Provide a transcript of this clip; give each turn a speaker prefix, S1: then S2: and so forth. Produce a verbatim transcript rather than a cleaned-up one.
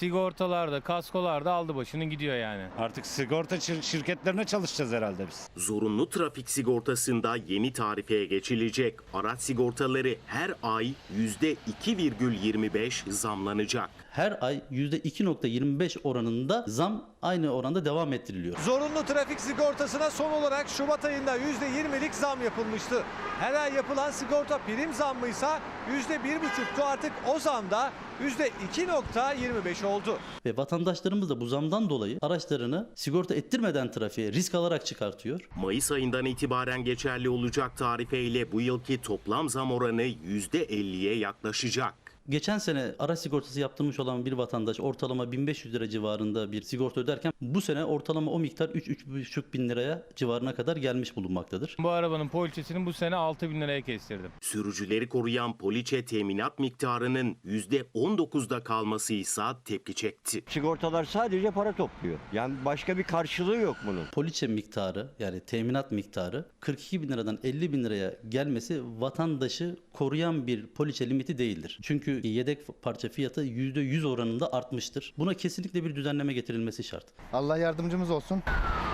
S1: Sigortalarda, kaskolarda aldı başını gidiyor yani.
S2: Artık sigorta şir- şirketlerine çalışacağız herhalde biz.
S3: Zorunlu trafik sigortasında yeni tarifeye geçilecek. Araç sigortaları her ay yüzde iki virgül yirmi beş zamlanacak.
S4: Her ay yüzde iki virgül yirmi beş oranında zam aynı oranda devam ettiriliyor.
S5: Zorunlu trafik sigortasına son olarak Şubat ayında yüzde yirmilik zam yapılmıştı. Her ay yapılan sigorta prim zammıysa yüzde bir buçuktu, artık o zam da yüzde iki virgül yirmi beş oldu.
S4: Ve vatandaşlarımız da bu zamdan dolayı araçlarını sigorta ettirmeden trafiğe risk alarak çıkartıyor.
S3: Mayıs ayından itibaren geçerli olacak tarifeyle bu yılki toplam zam oranı yüzde elliye yaklaşacak.
S4: Geçen sene araç sigortası yaptırmış olan bir vatandaş ortalama bin beş yüz lira civarında bir sigorta öderken bu sene ortalama o miktar üç üç buçuk bin liraya civarına kadar gelmiş bulunmaktadır.
S1: Bu arabanın poliçesini bu sene altı bin liraya kestirdim.
S3: Sürücüleri koruyan poliçe teminat miktarının yüzde on dokuzda kalması ise tepki çekti.
S6: Sigortalar sadece para topluyor. Yani başka bir karşılığı yok bunun.
S4: Poliçe miktarı, yani teminat miktarı kırk iki bin liradan elli bin liraya gelmesi vatandaşı koruyan bir poliçe limiti değildir. Çünkü yedek parça fiyatı yüzde yüz oranında artmıştır. Buna kesinlikle bir düzenleme getirilmesi şart.
S7: Allah yardımcımız olsun.